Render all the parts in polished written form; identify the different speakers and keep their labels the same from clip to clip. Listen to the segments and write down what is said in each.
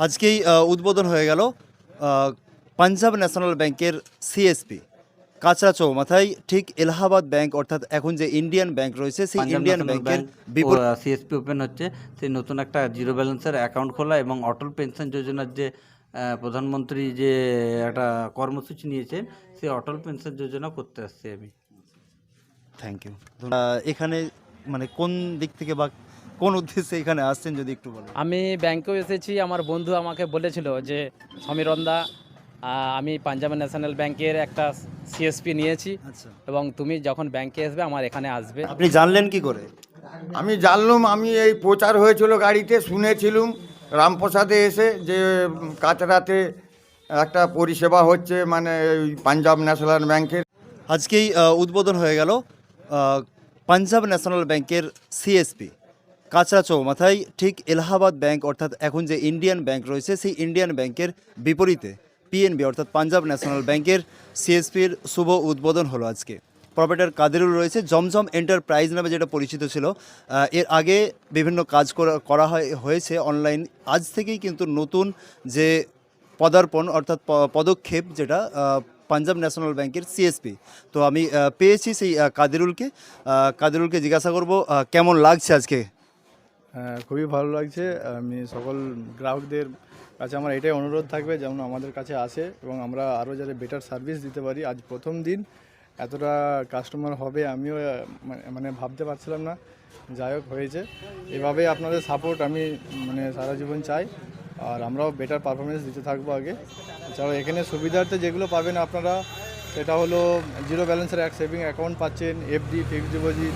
Speaker 1: আজকেই উদ্বোধন হয়ে গেল পাঞ্জাব ন্যাশনাল ব্যাংকের সিএসপি কাঁচরা চৌমাথায়, ঠিক এলাহাবাদ ব্যাংক অর্থাৎ এখন যে ইন্ডিয়ান ব্যাংক রয়েছে সেই
Speaker 2: পাঞ্জাব
Speaker 1: ইন্ডিয়ান
Speaker 2: ন্যাশনাল
Speaker 1: ব্যাংকের
Speaker 2: ব্যাংক
Speaker 1: বিপরীত
Speaker 2: সিএসপি ওপেন হচ্ছে। সেই নতুন একটা জিরো ব্যালেন্সের অ্যাকাউন্ট খোলা এবং অটল পেনশন যোজনার যে প্রধানমন্ত্রী যে একটা কর্মসূচি নিয়েছেন, সেই অটল পেনশন যোজনা করতে আসছি আমি।
Speaker 1: Thank you. এখানে মানে কোন দিক থেকে বা কোন উদ্দেশ্যে এখানে আসছেন যদি একটু বলেন।
Speaker 3: আমি ব্যাংকেও এসেছি। আমার বন্ধু আমাকে বলেছিল যে সমীরণদা, আমি পাঞ্জাব ন্যাশনাল ব্যাংকের একটা সিএসপি নিয়েছি
Speaker 1: আচ্ছা,
Speaker 3: এবং তুমি যখন ব্যাংকে আসবে আমার এখানে আসবে।
Speaker 1: আপনি জানলেন কি করে?
Speaker 4: আমি জানলাম, আমি এই প্রচার হয়েছিল গাড়িতে, শুনেছিলুম রামপ্রসাদে এসে যে কাচরাতে একটা পরিষেবা হচ্ছে, মানে এই পাঞ্জাব ন্যাশনাল ব্যাংকের।
Speaker 1: আজকেই উদ্বোধন হয়ে গেল পাঞ্জাব ন্যাশনাল ব্যাংকের সিএসপি কাঁচরা চৌমাথায়, ঠিক এলাহাবাদ ব্যাংক অর্থাৎ এখন যে ইন্ডিয়ান ব্যাংক রয়েছে সেই ইন্ডিয়ান ব্যাংকের বিপরীতে পিএনবি অর্থাৎ পাঞ্জাব ন্যাশনাল ব্যাংকের সিএসপির শুভ উদ্বোধন হলো আজকে। প্রপারেটর কাদেরুল রয়েছে। জমজম এন্টারপ্রাইজ নামে যেটা পরিচিত ছিল, এর আগে বিভিন্ন কাজ করা হয়েছে অনলাইন। আজ থেকেই কিন্তু নতুন যে পদার্পণ অর্থাৎ পদক্ষেপ, যেটা পাঞ্জাব ন্যাশনাল ব্যাংকের সিএসপি। তো আমি পেয়েছি সেই কাদেরুলকে জিজ্ঞাসা করব কেমন লাগছে আজকে।
Speaker 5: হ্যাঁ, খুবই ভালো লাগছে। আমি সকল গ্রাহকদের কাছে আমার এটাই অনুরোধ থাকবে যেমন আমাদের কাছে আসে এবং আমরা আরও যাতে বেটার সার্ভিস দিতে পারি। আজ প্রথম দিন এতটা কাস্টমার হবে আমিও মানে ভাবতে পারছিলাম না। যাই হোক, হয়েছে। এভাবে আপনাদের সাপোর্ট আমি মানে সারা জীবন চাই, আর আমরাও বেটার পারফরমেন্স দিতে থাকবো আগে। এছাড়াও এখানে সুবিধার্থে যেগুলো পাবেন আপনারা, সেটা হলো জিরো ব্যালেন্সের এক সেভিং অ্যাকাউন্ট পাচ্ছেন, এফডি, ফিক্সড ডিপোজিট,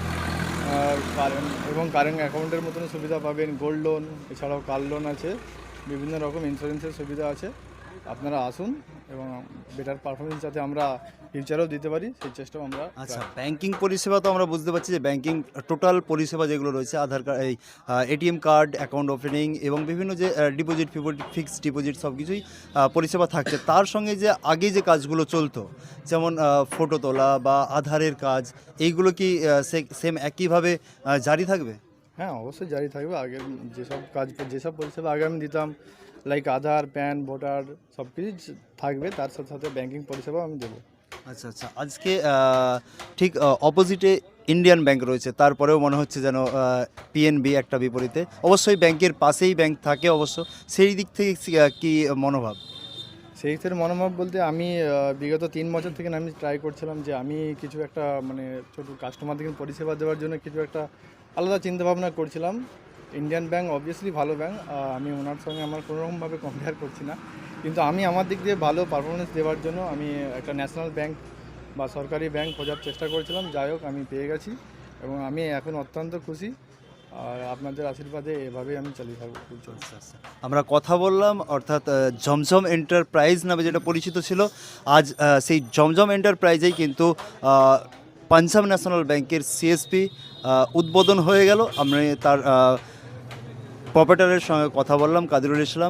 Speaker 5: কারেন্ট অ্যাকাউন্টের মতন সুবিধা পাবেন, গোল্ড লোন, এছাড়াও কার লোন আছে, বিভিন্ন রকম ইন্স্যুরেন্সের সুবিধা আছে। আপনারা আসুন এবং বেটার পারফরমেন্স যাতে আমরা ফিউচারেও দিতে পারি সেই চেষ্টাও আমরা।
Speaker 1: আচ্ছা, ব্যাংকিং পরিষেবা তো আমরা বুঝতে পারছি যে ব্যাংকিং টোটাল পরিষেবা যেগুলো রয়েছে, আধার কার্ড, এই এটিএম কার্ড, অ্যাকাউন্ট ওপেনিং এবং বিভিন্ন যে ডিপোজিট ফিক্সড ডিপোজিট সব কিছুই পরিষেবা থাকছে। তার সঙ্গে যে আগে যে কাজগুলো চলতো, যেমন ফটো তোলা বা আধারের কাজ, এইগুলো কি সেম একইভাবে জারি থাকবে?
Speaker 5: হ্যাঁ, অবশ্যই জারি থাকবে। আগে যেসব পরিষেবা আগে আমি দিতাম, লাইক আধার, প্যান, ভোটার, সব কিছু থাকবে। তার সাথে সাথে ব্যাংকিং পরিষেবাও আমি দেবো।
Speaker 1: আচ্ছা আচ্ছা, আজকে ঠিক অপোজিটে ইন্ডিয়ান ব্যাংক রয়েছে, তারপরেও মনে হচ্ছে যেন পিএনবি একটা বিপরীতে। অবশ্যই ব্যাংকের পাশেই ব্যাংক থাকে অবশ্য, সেই দিক থেকে কি মনোভাব?
Speaker 5: সেই ক্ষেত্রে মনোভাব বলতে আমি বিগত 3 বছর থেকে আমি ট্রাই করছিলাম যে আমি কিছু একটা মানে ছোটো কাস্টমারদের পরিষেবা দেওয়ার জন্য কিছু একটা আলাদা চিন্তাভাবনা করছিলাম। ইন্ডিয়ান ব্যাংক অবভিয়াসলি ভালো ব্যাংক, আমি ওনার সঙ্গে আমার কোনোরকমভাবে কম্পেয়ার করছি না, কিন্তু আমি আমার দিক দিয়ে ভালো পারফরমেন্স দেওয়ার জন্য আমি একটা ন্যাশনাল ব্যাংক বা সরকারি ব্যাংক খোঁজার চেষ্টা করছিলাম। যাই হোক, আমি পেয়ে গেছি এবং আমি এখন অত্যন্ত খুশি, আর আপনাদের আশীর্বাদে এভাবেই আমি চালিয়ে থাকবো।
Speaker 1: আমরা কথা বললাম, অর্থাৎ জমজম এন্টারপ্রাইজ নামে যেটা পরিচিত ছিল, আজ সেই জমজম এন্টারপ্রাইজেই কিন্তু পাঞ্জাব ন্যাশনাল ব্যাংকের সিএসপি উদ্বোধন হয়ে গেল। আমরা তার প্রপারেটরের সঙ্গে কথা বললাম, কাদিরুল ইসলাম।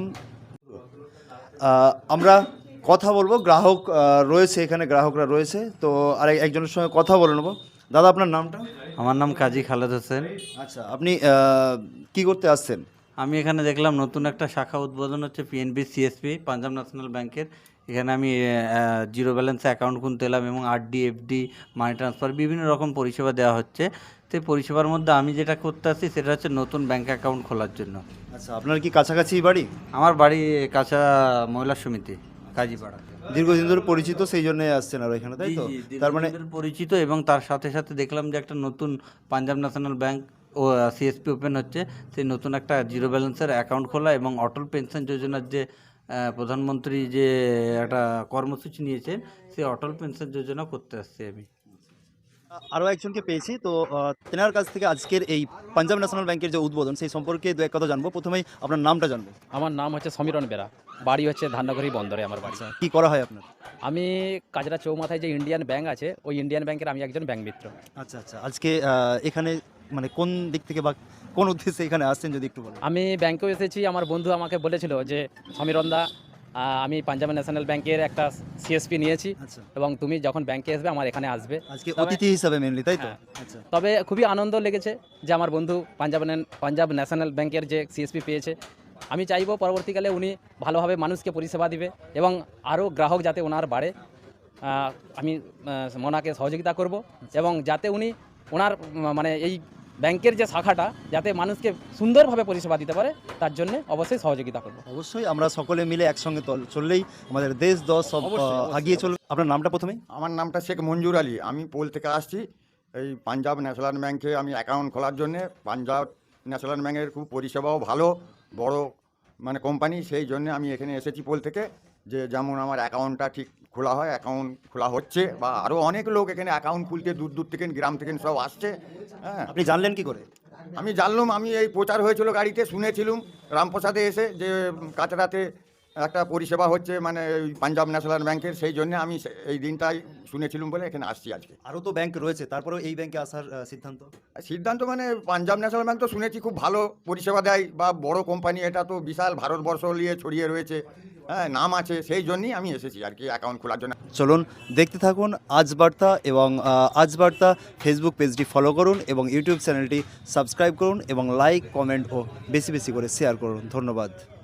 Speaker 1: আমরা কথা বলবো, গ্রাহক রয়েছে এখানে, গ্রাহকরা রয়েছে, তো আর একজনের সঙ্গে কথা বলে নেবো। দাদা, আপনার নামটা?
Speaker 2: আমার নাম কাজী খালেদ হোসেন।
Speaker 1: আচ্ছা, আপনি কি করতে আসছেন?
Speaker 2: আমি এখানে দেখলাম নতুন একটা শাখা উদ্বোধন হচ্ছে পিএনবি সিএসপি পাঞ্জাব ন্যাশনাল ব্যাংকের। এখানে আমি জিরো ব্যালেন্সে অ্যাকাউন্ট খুলতে এলাম এবং আরডি, এফডি, মানি ট্রান্সফার বিভিন্ন রকম পরিষেবা দেওয়া হচ্ছে। সেই পরিষেবার মধ্যে আমি যেটা করতে আসছি সেটা হচ্ছে নতুন ব্যাংক অ্যাকাউন্ট খোলার জন্য।
Speaker 1: আচ্ছা, আপনার কি কাছাকাছি বাড়ি?
Speaker 2: আমার বাড়ি কাঁচা মহিলা সমিতি, কাজীপাড়া।
Speaker 1: দীর্ঘদিন ধরে পরিচিত, সেই জন্য আসছেন আর এখানে, তাই তো? তার মানে
Speaker 2: পরিচিত, এবং তার সাথে সাথে দেখলাম যে একটা নতুন পাঞ্জাব ন্যাশনাল ব্যাংক ও সিএসপি ওপেন হচ্ছে। সেই নতুন একটা জিরো ব্যালেন্সের অ্যাকাউন্ট খোলা এবং অটল পেনশন যোজনার যে প্রধানমন্ত্রী যে একটা কর্মসূচি নিয়েছেন, সেই অটল পেনশন যোজনা করতে আসছি আমি।
Speaker 1: আরও একজনকে পেয়েছি, তো তেনার কাছ থেকে আজকের এই পাঞ্জাব ন্যাশনাল ব্যাংকের যে উদ্বোধন সেই সম্পর্কে দু এক কথা জানবো। প্রথমেই আপনার নামটা জানবো।
Speaker 3: আমার নাম হচ্ছে সমীরণ বেরা, বাড়ি হচ্ছে ধান্নাঘড়ি বন্দরে আমার বাড়ি।
Speaker 1: কি করা হয় আপনার?
Speaker 3: আমি কাজরা চৌমাথায় যে ইন্ডিয়ান ব্যাংক আছে, ওই ইন্ডিয়ান ব্যাংকের আমি একজন ব্যাংক মিত্র।
Speaker 1: আচ্ছা আচ্ছা, আজকে এখানে মানে কোন দিক থেকে বা কোন উদ্দেশ্যে এখানে আসছেন যদি একটু বলেন।
Speaker 3: আমি ব্যাংকেও এসেছি। আমার বন্ধু আমাকে বলেছিল যে সমীরণদা, আমি পাঞ্জাব ন্যাশনাল ব্যাংকের একটা সিএসপি নিয়েছি
Speaker 1: আচ্ছা,
Speaker 3: এবং তুমি যখন ব্যাংকে আসবে আমার এখানে আসবে।
Speaker 1: আজকে অতিথি হিসাবে মেনলি, তাই তো?
Speaker 3: হ্যাঁ।
Speaker 1: আচ্ছা,
Speaker 3: তবে খুবই আনন্দ লেগেছে যে আমার বন্ধু পাঞ্জাব ন্যাশনাল ব্যাংকের যে সিএসপি পেয়েছে আমি চাইবো পরবর্তীকালে উনি ভালোভাবে মানুষকে পরিষেবা দিবে এবং আরও গ্রাহক যাতে ওনার বাড়ে, আমি ওনাকে সহযোগিতা করব এবং যাতে উনি ওনার মানে এই ব্যাংকের যে শাখাটা যাতে মানুষকে সুন্দরভাবে পরিষেবা দিতে পারে তার জন্য অবশ্যই সহযোগিতা করব।
Speaker 1: অবশ্যই আমরা সকলে মিলে একসঙ্গে চললেই আমাদের দেশ দশ সব আগিয়ে চলবে। আপনার নামটা প্রথমে?
Speaker 4: আমার নামটা শেখ মঞ্জুর আলী, আমি পোল থেকে আসছি। এই পাঞ্জাব ন্যাশনাল ব্যাংকে আমি অ্যাকাউন্ট খোলার জন্যে। পাঞ্জাব ন্যাশনাল ব্যাংকের খুব পরিষেবাও ভালো, বড় মানে কোম্পানি, সেই জন্য আমি এখানে এসেছি পোল থেকে, যে যেমন আমার অ্যাকাউন্টটা ঠিক খোলা হয়। অ্যাকাউন্ট খোলা হচ্ছে, বা আরও অনেক লোক এখানে অ্যাকাউন্ট খুলতে দূর দূর থেকে, গ্রাম থেকে সব আসছে। হ্যাঁ,
Speaker 1: আপনি জানলেন কি করে?
Speaker 4: আমি জানলাম, আমি এই প্রচার হয়েছিল গাড়িতে, শুনেছিলাম রামপ্রসাদে এসে যে কাচরাতে একটা পরিষেবা হচ্ছে মানে ওই পাঞ্জাব ন্যাশনাল ব্যাংকের, সেই জন্য আমি এই দিনটাই শুনেছিলাম বলে এখানে আসছি আজকে।
Speaker 1: আরও তো ব্যাংক রয়েছে, তারপরেও এই ব্যাংকে আসার সিদ্ধান্ত?
Speaker 4: সিদ্ধান্ত মানে পাঞ্জাব ন্যাশনাল ব্যাংক তো শুনেছি খুব ভালো পরিষেবা দেয়, বা বড় কোম্পানি, এটা তো বিশাল ভারতবর্ষ নিয়ে ছড়িয়ে রয়েছে, হ্যাঁ নাম আছে, সেই জন্যই আমি এসেছি আর কি অ্যাকাউন্ট খোলার জন্য।
Speaker 1: চলুন দেখতে থাকুন আজ বার্তা, এবং আজ বার্তা ফেসবুক পেজটি ফলো করুন এবং ইউটিউব চ্যানেলটি সাবস্ক্রাইব করুন এবং লাইক, কমেন্ট ও বেশি বেশি করে শেয়ার করুন। ধন্যবাদ।